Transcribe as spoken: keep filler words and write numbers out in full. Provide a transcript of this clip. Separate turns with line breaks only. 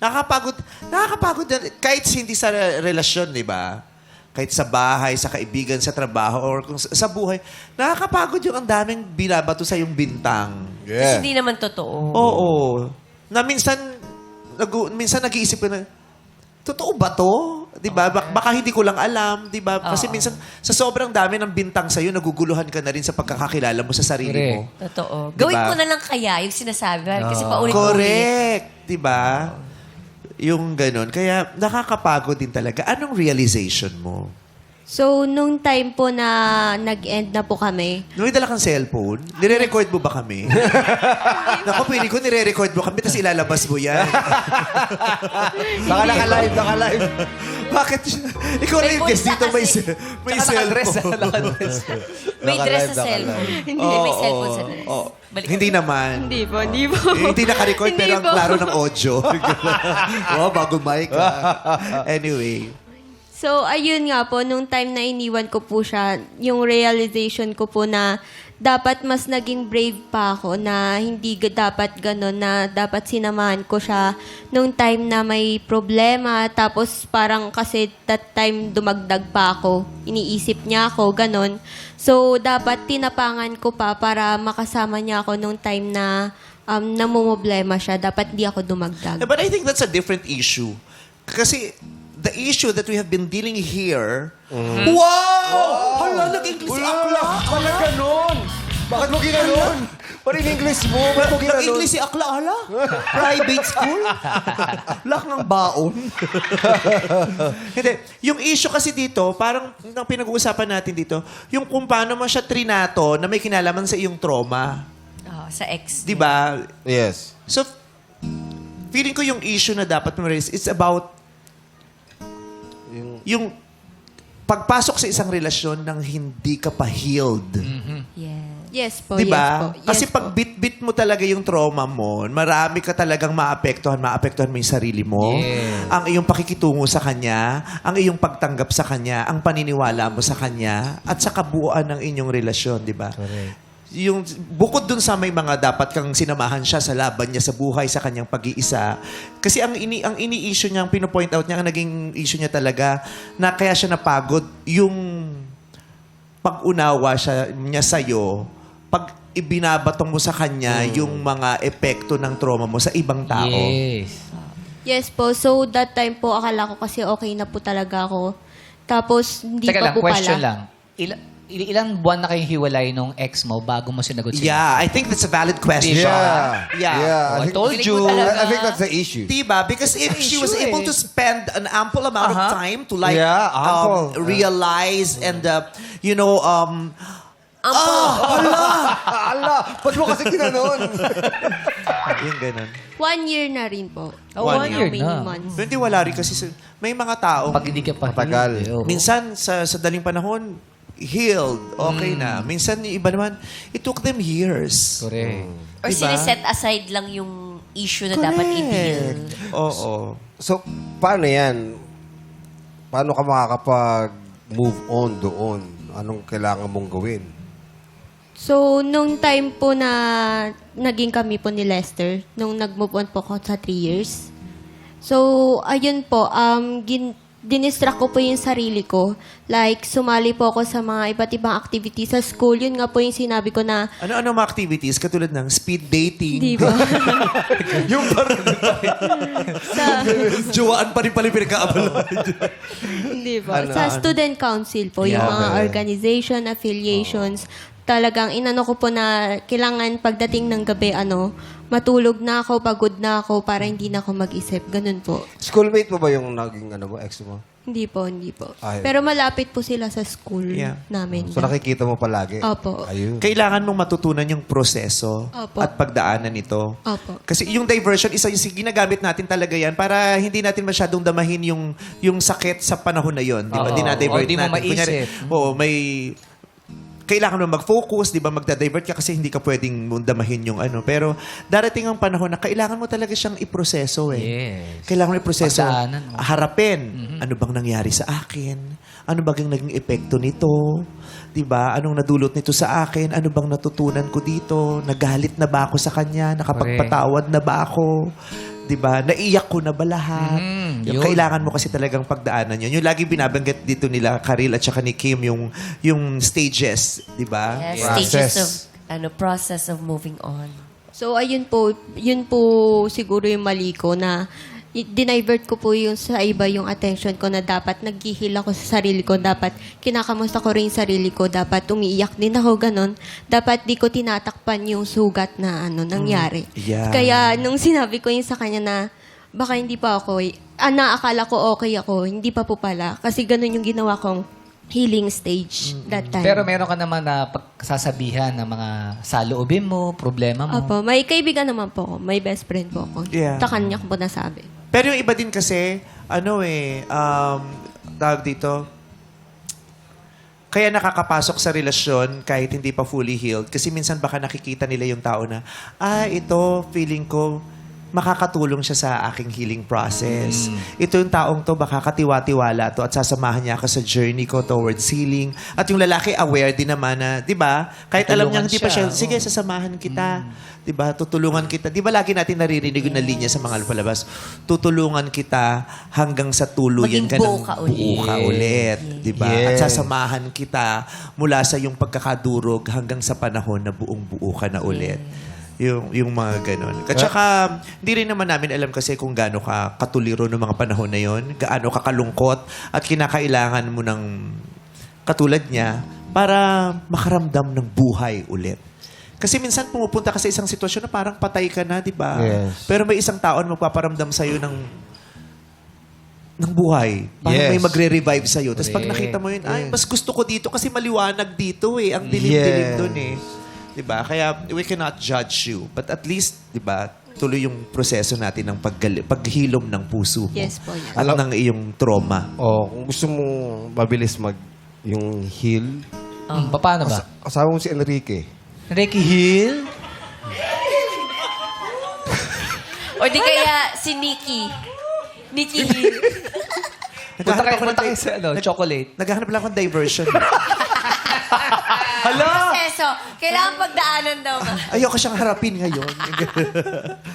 Nakakapagod, nakakapagod na, kahit hindi sa relasyon, di ba? Kahit sa bahay, sa kaibigan, sa trabaho, or kung sa, sa buhay, nakakapagod yung ang daming binabato sa yung bintang.
Kasi hindi naman totoo.
Oo. Na minsan, nag, minsan nag-iisip ko na, totoo ba to? Di ba? Bak- baka hindi ko lang alam, di ba? Kasi
Oo.
minsan, sa sobrang dami ng bintang sa'yo, naguguluhan ka na rin sa pagkakakilala mo sa sarili mo.
Totoo.
Diba?
Gawin ko na lang kaya yung sinasabi. Kasi paulit-ulit.
Correct. Di ba? Yung ganun. Kaya nakakapagod din talaga. Anong realization mo?
So, nung time po na nag-end na po kami,
Nung may dala kang cellphone, nire-record mo ba kami? Naku, pili ko nire-record mo kami, tapos ilalabas mo yan.
Baka naka-live, naka-live.
Bakit? Ikaw na
May
yung guest
bulsa
dito, may,
kasi.
se- may
Tsaka naka-dress,
cellphone.
naka-dress.
May dress
Naka-live,
sa cellphone.
naka-live.
Hindi. May cellphone sa dress.
Oo.
Balik.
Hindi naman.
hindi po, hindi po.
Eh, hindi naka-record,
Hindi
pero ang
po.
klaro ng audio. oh, bago mic. ah. Anyway.
So, ayun nga po, nung time na iniwan ko po siya, yung realization ko po na dapat mas naging brave pa ako na hindi ga- dapat gano'n, na dapat sinamahan ko siya nung time na may problema. Tapos parang kasi that time dumagdag pa ako. Iniisip niya ako, gano'n. So, dapat tinapangan ko pa para makasama niya ako nung time na um, namumblema siya. Dapat di ako dumagdag.
Eh, But I think that's a different issue. Kasi the issue that we have been dealing here... Wow! Hala, nag-English si Akla!
Bakit ganun? Bakit mo ginanon? What in English mo? Bakit mo ginanon?
Nag-English si Akla, hala? Private school? Lak ng baon. Hindi. Yung issue kasi dito, parang ang pinag-uusapan natin dito, yung kung paano mo siya trinato na may kinalaman sa iyong trauma.
Oh, sa ex.
Di ba?
Yes.
So, feeling ko yung issue na dapat mo raise, it's about yung pagpasok sa isang relasyon nang hindi ka pa healed.
Yeah.
Yes po,
Di
yes po.
ba?
Yes
Kasi
po.
pag bit-bit mo talaga yung trauma mo, marami ka talagang maapektuhan, maapektuhan mo yung sarili mo,
Yes.
ang iyong pakikitungo sa kanya, ang iyong pagtanggap sa kanya, ang paniniwala mo sa kanya, at sa kabuuan ng inyong relasyon, di ba? Yung bukod dun sa may mga dapat kang sinamahan siya sa laban niya sa buhay, sa kanyang pag-iisa. Kasi ang ini ang ini-issue niya, ang pino-point out niya, ang naging issue niya talaga, na kaya siya napagod, yung pag-unawa siya, niya sa'yo, pag ibinabatong mo sa kanya yung mga epekto ng trauma mo sa ibang tao.
Yes.
Yes po. So, that time po, akala ko kasi okay na po talaga ako. Tapos, hindi
Teka
pa
lang,
po
question
pala.
lang. Ila, il- ilang buwan na kayong hiwalay nung ex mo bago mo sinagot siya?
Yeah, I think that's a valid question.
Yeah.
Yeah.
Yeah.
Oh, I
think-
told
Feeling
you.
mo talaga-
I think that's the issue.
Diba? Because if she was
issue
able
eh.
to spend an ample amount of
Uh-huh.
time to like
Yeah,
um,
ample.
realize and uh, you know um
Ala, ba't mo kasi ginanon?
yung ganun.
One year na rin po.
Oh, one
How
year
many
na.
months?
Hindi wala rin kasi sa- may mga tao
Pag hindi ka pa
Matagal.
healed, eh, oo.
minsan sa sa daling panahon healed, okay na. Minsan yung iba naman it took them years.
Correct.
Or
Diba?
siniset aside lang yung issue na dapat i-deal.
Oo.
So, paano yan? Paano ka makakapag-move on doon? Anong kailangan mong gawin?
So, nung time po na naging kami po ni Lester, nung nag-move on po ako sa three years. So, ayun po, um, gin, dinistract ko po yung sarili ko. Like, sumali po ako sa mga iba't ibang activities sa school. Yun nga po yung sinabi ko na,
Ano-ano mga activities katulad ng speed dating,
di ba?
yung parang
sa,
juwaan pa rin pala yung pinagkaabalahan.
Hindi po.
Ano,
sa
ano?
student council po, yung
Yeah.
mga organization, affiliations, talagang inano ko po na kailangan pagdating ng gabi, ano, matulog na ako, pagod na ako, para hindi na ako mag-isip. Ganun po.
Schoolmate mo ba yung naging ano mo, ex mo?
Hindi po, hindi po.
Ay.
Pero malapit po sila sa school
Yeah.
namin.
So nakikita mo palagi?
Opo.
Ayun.
Kailangan mong matutunan yung proseso
Opo.
at pagdaanan nito.
Opo.
Kasi yung diversion, isa yung ginagamit natin talaga yan para hindi natin masyadong damahin yung yung sakit sa panahon na yon. Di ba?
Oo.
Dinadivert
O, di mo
natin. Kunyari,
maisip.
oo, may... Kailangan mo mag-focus, di ba? Magda-divert ka kasi hindi ka pwedeng damahin yung ano. Pero darating ang panahon na kailangan mo talaga siyang iproseso eh.
Yes.
Kailangan mo iproseso.
Pagdaanan mo.
Harapin. Ano bang nangyari sa akin? Ano bang naging epekto nito? 'Di ba? Anong nadulot nito sa akin? Ano bang natutunan ko dito? Nagalit na ba ako sa kanya? Nakapagpatawad na ba ako? Di ba? Naiyak ko na ba lahat?
Mm,
yung
yun.
kailangan mo kasi talagang pagdaanan yun. Yung lagi binabanggit dito nila, Karil at saka ni Kim, yung, yung stages. Di ba?
Yes,
Process.
stages of, ano, process of moving on.
So, ayun po, yun po siguro yung mali ko na i- dinivert ko po yung sa iba yung attention ko na dapat naghihil ako sa sarili ko, dapat kinakamusta ko rin yung sarili ko, dapat umiiyak din ako, ganon. Dapat di ko tinatakpan yung sugat na ano nangyari.
Yeah.
Kaya nung sinabi ko yun sa kanya na baka hindi pa ako, eh, ah, naakala ko okay ako, hindi pa po pala. Kasi ganon yung ginawa kong healing stage that time.
Pero meron ka naman na pagsasabihan ng mga saloobin mo, problema mo.
Opo, may kaibigan naman po ako. May best friend po ako.
Yeah.
Sa kanya ko po nasabi.
Pero yung iba din kasi, ano eh, um, tawag dito, kaya nakakapasok sa relasyon kahit hindi pa fully healed. Kasi minsan baka nakikita nila yung tao na, ah, ito, feeling ko, makakatulong siya sa aking healing process. Ito yung taong to, baka katiwa-tiwala to at sasamahan niya ako sa journey ko towards healing. At yung lalaki aware din naman na, di ba? Kahit alam niya
Tutulungan
hindi pa siya,
siya,
sige, sasamahan kita. Di ba? Tutulungan kita. Di ba lagi natin naririnig yung na linya sa mga palabas? Tutulungan kita hanggang sa tuluyan
Maging
ka ng
buo ka ulit.
buo ka ulit. Di ba? At
Yes.
sasamahan kita mula sa yung pagkakadurog hanggang sa panahon na buong-buo ka na ulit. Yung, yung mga ganun. At saka, hindi rin naman namin alam kasi kung gaano ka katuliro ng mga panahon na yon, gaano ka kalungkot at kinakailangan mo ng katulad niya para makaramdam ng buhay ulit. Kasi minsan pumupunta ka sa isang sitwasyon na parang patay ka na, di ba?
Yes.
Pero may isang tao na magpaparamdam sa'yo ng ng buhay. Parang
Yes.
may magre-revive sa'yo. Tapos pag
Correct.
nakita mo yun, ay, mas gusto ko dito kasi maliwanag dito eh. Ang dilim-dilim
Yes.
dun eh. Diba? Kaya we cannot judge you. But at least, diba, tuloy yung proseso natin ng paggali- paghilom ng puso mo.
Yes po, yes.
At ng iyong trauma.
O, kung gusto mo mabilis mag yung heal,
Hmm, paano ba?
kasama mo si Enrique.
Ricky Hill?
O di kaya si Nikki. Nikki Hill.
Punta kayo,
ako ng
punta kayo
di-
sa ano, chocolate.
Naghahanap lang akong diversion.
Hala!
Proseso. Kailangan pagdaanan daw ba?
Ayoko siyang harapin ngayon.